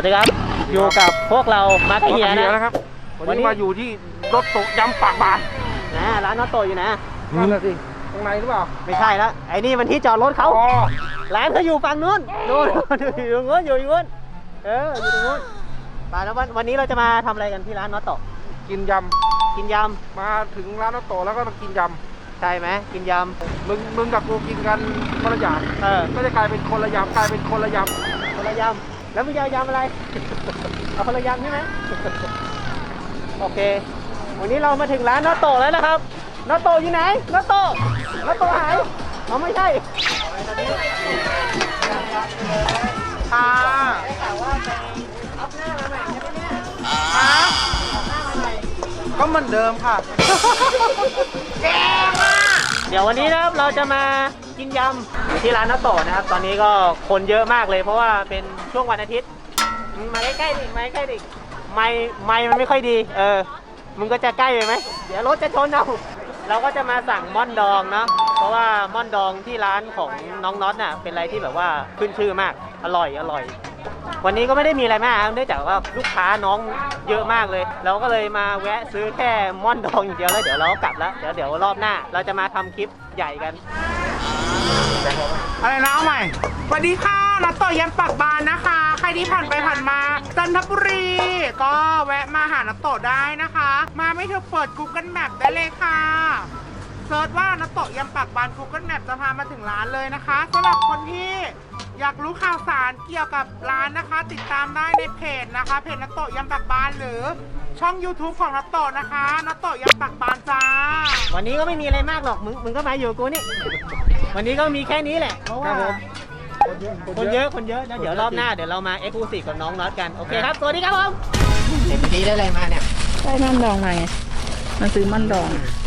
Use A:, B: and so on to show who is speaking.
A: วัสดีครับอยู่กับพวกเรามาร์คเฮีย
B: นะครับวันนี้มาอยู่ที่รถโตยำปากบาน
A: นะร้านน็อตโตอยู่นะ
B: นั่นแหละสิตรงไหนหรือเปล่า
A: ไม่ใช่แล้วไอ้นี่มันที่จอดรถเขาร้านเขาอยู่ฝั่งนู้นนู่นอยู่นู้นอยู่นู้นอยู่ตรงนู้นไปแล้ววันนี้เราจะมาทำอะไรกันที่ร้านน็อตโต
B: กินย
A: ำ
B: มาถึงร้านน็อตโตแล้วก็มากินย
A: ำใช่ไหมกินย
B: ำมึงกับกูกินกันคนละอย่างไม่ได้กลายเป็นคนละยำกลายเป็นคนละยำ
A: แล้วมึงจะยำอะไรเอาคนละยำใช่ไหมโอเควันนี้เรามาถึงร้านน็อตโตแล้วนะครับน็อตโตอยู่ไหนน็อตโตหายอ๋อไม่ใช่
B: ค่ะก็เหมือนเดิมค่ะ
A: เดี๋ยววันนี้นะครับเราจะมากินยำอยู่ที่ร้านน็อตโตนะครับตอนนี้ก็คนเยอะมากเลยเพราะว่าเป็นช่วงวันอาทิตย์มาใกล้ๆดิมาใกล้ๆดิไม่มันไม่ค่อยดีมึงก็จะใกล้ไปไหมเดี๋ยวรถจะชนเราก็จะมาสั่งม่อนดองเนาะเพราะว่าม่อนดองที่ร้านของน้องน็อตน่ะเป็นอะไรที่แบบว่าขึ้นชื่อมากอร่อยวันนี้ก็ไม่ได้มีอะไรมากเนื่องจากว่าลูกค้าน้องเยอะมากเลยเราก็เลยมาแวะซื้อแค่ม่อนดองอย่างเดียวแล้วเดี๋ยวเราก็กลับแล้วเดี๋ยวรอบหน้าเราจะมาทำคลิปใหญ่กัน
B: อะไรนะเอาใหม่สวัสดีค่ะน็อตโตยำปากบานนะคะใครที่ผ่านไปผ่านมาจันทบุรีก็แวะมาหาน็อตโตได้นะคะมาไม่ถูกเปิด Google Map ได้เลยค่ะเซิร์ชว่าน็อตโตยำปากบาน Google Map จะพามาถึงร้านเลยนะคะสำหรับคนที่อยากรู้ข่าวสารเกี่ยวกับร้านนะคะติดตามได้ในเพจนะคะเพจน็อตโตยำปากบานหรือช่อง YouTube ของน็อตโตนะคะน็อตโตยำปากบานจ้า
A: วันนี้ก็ไม่มีอะไรมากหรอกมึงก็มาอยู่กูนี่วันนี้ก็มีแค่นี้แหละเพราะว่าคนเยอะแล้วเดี๋ยวรอบหน้าเดี๋ยวเรามาเอ็กซ์คลูซีฟกับน้องน็อตกันโอเคครับสวัสดีครับผม
B: เมื่อกี้ได้อะไรมาเนี่ย
C: ได้ม่อนดองมาไงมาซื้อม่อนดอง